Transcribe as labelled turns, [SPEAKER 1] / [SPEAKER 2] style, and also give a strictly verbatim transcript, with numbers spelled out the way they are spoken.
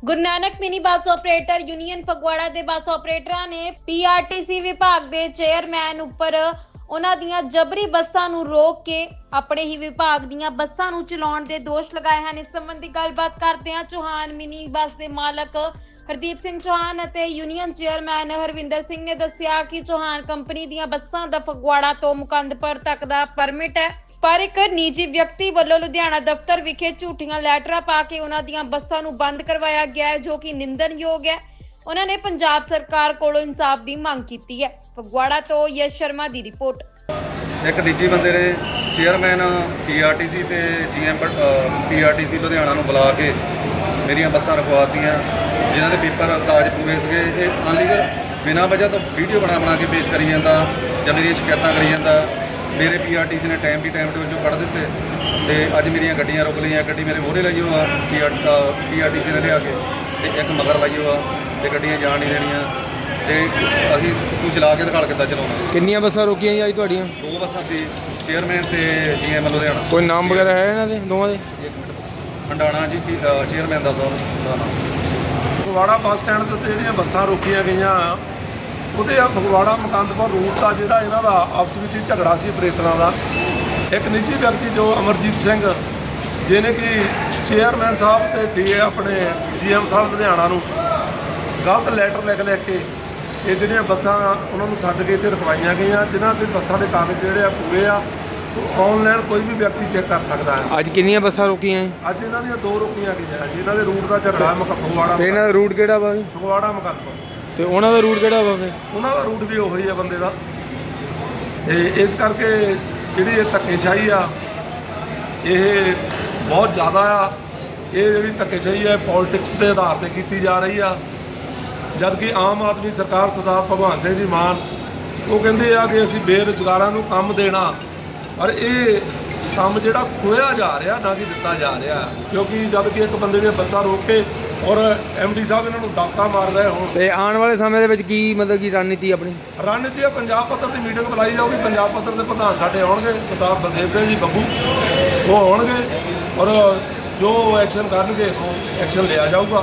[SPEAKER 1] ਗੁਰੂ Nanak mini bus operator union Phagwara ਦੇ bus ਆਪਰੇਟਰਾਂ ਨੇ PRTC ਵਿਭਾਗ ਦੇ ਚੇਅਰਮੈਨ ਉੱਪਰ ਉਹਨਾਂ ਦੀਆਂ ਜਬਰੀ ਬੱਸਾਂ ਨੂੰ ਰੋਕ ਕੇ ਆਪਣੇ ਹੀ ਵਿਭਾਗ ਦੀਆਂ ਬੱਸਾਂ ਨੂੰ ਚਲਾਉਣ ਦੇ ਦੋਸ਼ ਲਗਾਏ ਹਨ। ਇਸ ਸੰਬੰਧੀ ਗੱਲਬਾਤ ਕਰਦੇ ਹਾਂ ਚੌਹਾਨ ਮਿਨੀ ਬੱਸ ਦੇ ਮਾਲਕ ਹਰਦੀਪ ਸਿੰਘ ਚੌਹਾਨ ਅਤੇ ਯੂਨੀਅਨ ਚੇਅਰਮੈਨ ਹਰਵਿੰਦਰ ਸਿੰਘ ਨੇ ਦੱਸਿਆ ਕਿ ਚੌਹਾਨ ਕੰਪਨੀ ਦੀਆਂ ਬੱਸਾਂ ਦਾ ਫਗਵਾੜਾ ਤੋਂ ਮੁਕੰਦਪੁਰ ਤੱਕ ਦਾ ਪਰਮਿਟ ਹੈ, ਪਰ ਇੱਕ ਨਿੱਜੀ ਵਿਅਕਤੀ ਵੱਲੋਂ ਲੁਧਿਆਣਾ ਦਫ਼ਤਰ ਵਿਖੇ ਝੂਠੀਆਂ ਲੈਟਰਾਂ ਪਾ ਕੇ ਉਹਨਾਂ ਦੀਆਂ ਬੱਸਾਂ ਨੂੰ ਬੰਦ ਕਰਵਾਇਆ ਗਿਆ ਹੈ, ਜੋ ਕਿ ਨਿੰਦਣਯੋਗ ਹੈ। ਉਹਨਾਂ ਨੇ ਪੰਜਾਬ ਸਰਕਾਰ ਕੋਲੋਂ ਇਨਸਾਫ ਦੀ ਮੰਗ ਕੀਤੀ ਹੈ। ਫਗਵਾੜਾ ਤੋਂ ਯਸ਼ ਸ਼ਰਮਾ ਦੀ ਰਿਪੋਰਟ।
[SPEAKER 2] ਇੱਕ ਨਿੱਜੀ ਬੰਦੇ ਨੇ ਚੇਅਰਮੈਨ ਪੀਆਰਟੀਸੀ ਤੇ ਜੀਐਮ ਪੀਆਰਟੀਸੀ ਲੁਧਿਆਣਾ ਨੂੰ ਬੁਲਾ ਕੇ ਮੇਰੀਆਂ ਬੱਸਾਂ ਰਖਵਾਤੀਆਂ, ਜਿਨ੍ਹਾਂ ਦੇ ਪੇਪਰ ਕਾਗਜ਼ ਪੂਰੇ ਸੀਗੇ। ਇਹ ਅਨਲੀਗਲ ਬਿਨਾਂ ਵਜ੍ਹਾ ਤੋਂ ਵੀਡੀਓ ਬਣਾ ਬਣਾ ਕੇ ਪੇਸ਼ ਕਰੀ ਜਾਂਦਾ ਜਾਂ ਮੇਰੀਆਂ ਸ਼ਿਕਾਇਤਾਂ ਕਰੀ ਜਾਂਦਾ। ਮੇਰੇ ਪੀਆਰਟੀਸੀ ਨੇ ਟਾਈਮ ਦੀ ਟਾਈਮ ਦੇ ਵਿੱਚੋਂ ਕੱਢ ਦਿੱਤੇ ਤੇ ਅੱਜ ਮੇਰੀਆਂ ਗੱਡੀਆਂ ਰੁਕ ਲਈਆਂ। ਗੱਡੀ ਮੇਰੇ ਮੋਹਰੇ ਲਾਈ ਹੋਆ ਪੀਆਰਟੀਸੀ ਨੇ ਲਿਆ ਕੇ ਤੇ ਇੱਕ ਮਗਰ ਲਾਈ ਹੋਆ ਤੇ ਗੱਡੀਆਂ ਜਾਣ ਨਹੀਂ ਦੇਣੀਆਂ ਤੇ ਅਸੀਂ ਤੂੰ ਚਲਾ ਕੇ ਦਿਖਾਲ ਕਿੱਦਾਂ ਚਲਾਉਣਾ।
[SPEAKER 3] ਕਿੰਨੀਆਂ ਬੱਸਾਂ ਰੋਕੀਆਂ ਜੀ ਅੱਜ ਤੁਹਾਡੀਆਂ?
[SPEAKER 2] ਦੋ ਬੱਸਾਂ ਸੀ, ਚੇਅਰਮੈਨ ਤੇ ਜੀਐਮ ਲੁਧਿਆਣਾ।
[SPEAKER 3] ਕੋਈ ਨਾਮ ਵਗੈਰਾ ਹੈ ਇਹਨਾਂ ਦੇ ਦੋਵਾਂ ਦੇ?
[SPEAKER 2] ਹੰਡਾਣਾ ਜੀ ਚੇਅਰਮੈਨ ਦਾ ਸਰ ਦਾ ਨਾਮ।
[SPEAKER 4] ਫਗਵਾੜਾ ਬੱਸ ਸਟੈਂਡ ਦੇ ਉੱਤੇ ਜਿਹੜੀਆਂ ਬੱਸਾਂ ਰੋਕੀਆਂ ਗਈਆਂ ਉਹਦੇ ਆ ਫਗਵਾੜਾ ਮੁਕੰਦਪੁਰ ਰੂਟ ਦਾ ਜਿਹੜਾ ਇਹਨਾਂ ਦਾ ਆਪਸ ਵਿੱਚ ਝਗੜਾ ਸੀ ਆਪਰੇਟਰਾਂ ਦਾ। ਇੱਕ ਨਿੱਜੀ ਵਿਅਕਤੀ ਜੋ ਅਮਰਜੀਤ ਸਿੰਘ, ਜਿਹਨੇ ਕਿ ਚੇਅਰਮੈਨ ਸਾਹਿਬ ਤੇ ਡੀ ਆਪਣੇ ਜੀਐਮ ਸਾਹਿਬ ਲੁਧਿਆਣਾ ਨੂੰ ਗਲਤ ਲੈਟਰ ਲਿਖ ਲਿਖ ਕੇ ਇਹ ਜਿਹੜੀਆਂ ਬੱਸਾਂ ਉਹਨਾਂ ਨੂੰ ਛੱਡ ਕੇ ਇੱਥੇ ਰਖਵਾਈਆਂ ਗਈਆਂ, ਜਿਨ੍ਹਾਂ ਦੇ ਬੱਸਾਂ ਦੇ ਕਾਗਜ਼ ਜਿਹੜੇ ਆ ਪੂਰੇ ਆ। ਆਨਲਾਈਨ ਕੋਈ ਵੀ ਵਿਅਕਤੀ ਚੈੱਕ ਕਰ ਸਕਦਾ ਹੈ।
[SPEAKER 3] ਅੱਜ ਕਿੰਨੀਆਂ ਬੱਸਾਂ ਰੋਕੀਆਂ?
[SPEAKER 4] ਅੱਜ ਇਹਨਾਂ ਦੀਆਂ ਦੋ ਰੋਕੀਆਂ ਗਈਆਂ ਜੀ। ਇਹਨਾਂ ਦੇ ਰੂਟ ਦਾ ਝਗੜਾ ਮੁਕ ਫਗਵਾੜਾ।
[SPEAKER 3] ਤੇ ਇਹਨਾਂ ਦਾ ਰੂਟ ਕਿਹੜਾ ਵਾ?
[SPEAKER 4] ਫਗਵਾੜਾ ਮੁਕੰਦਪੁਰ।
[SPEAKER 3] ਤੇ ਉਹਨਾਂ ਦਾ ਰੂਟ ਕਿਹੜਾ ਵਾ? ਫਿਰ
[SPEAKER 4] ਉਹਨਾਂ ਦਾ ਰੂਟ ਵੀ ਉਹੀ ਆ ਬੰਦੇ ਦਾ। ਤੇ ਇਸ ਕਰਕੇ ਜਿਹੜੀ ਇਹ ਧੱਕੇਸ਼ਾਹੀ ਆ ਇਹ ਬਹੁਤ ਜ਼ਿਆਦਾ ਆ। ਇਹ ਜਿਹੜੀ ਧੱਕੇਸ਼ਾਹੀ ਹੈ ਪੋਲਿਟਿਕਸ ਦੇ ਆਧਾਰ ਤੇ ਕੀਤੀ ਜਾ ਰਹੀ ਆ, ਜਦ ਕਿ ਆਮ ਆਦਮੀ ਸਰਕਾਰ ਸਰਦਾਰ ਭਗਵੰਤ ਸਿੰਘ ਜੀ ਮਾਨ ਉਹ ਕਹਿੰਦੇ ਆ ਕਿ ਅਸੀਂ ਬੇਰੁਜ਼ਗਾਰਾਂ ਨੂੰ ਕੰਮ ਦੇਣਾ, ਪਰ ਇਹ ਕੰਮ ਜਿਹੜਾ ਖੋਇਆ ਜਾ ਰਿਹਾ ਨਾ ਕਿ ਦਿੱਤਾ ਜਾ ਰਿਹਾ। ਕਿਉਂਕਿ ਜਦ ਕਿ ਇੱਕ ਬੰਦੇ ਦੀਆਂ ਬੱਸਾਂ ਰੋਕ ਕੇ ਔਰ ਐਮਡੀ ਸਾਹਿਬ ਇਹਨਾਂ ਨੂੰ ਦਬਕਾ ਮਾਰ ਰਹੇ ਹੋਣ। ਤੇ
[SPEAKER 3] ਆਉਣ ਵਾਲੇ ਸਮੇਂ ਦੇ ਵਿੱਚ ਕੀ ਮਤਲਬ ਕੀ ਰਣਨੀਤੀ ਆਪਣੀ?
[SPEAKER 4] ਰਣਨੀਤੀ ਆ ਪੰਜਾਬ ਪੱਧਰ ਦੀ ਮੀਟਿੰਗ ਬੁਲਾਈ ਜਾਊਗੀ। ਪੰਜਾਬ ਪੱਧਰ ਦੇ ਪ੍ਰਧਾਨ ਸਾਡੇ ਆਉਣਗੇ, ਸਰਦਾਰ ਬਲਦੇਵ ਸਿੰਘ ਜੀ ਬੱਬੂ ਉਹ ਆਉਣਗੇ ਔਰ ਜੋ ਐਕਸ਼ਨ ਕਰਨਗੇ ਉਹ ਐਕਸ਼ਨ ਲਿਆ ਜਾਊਗਾ।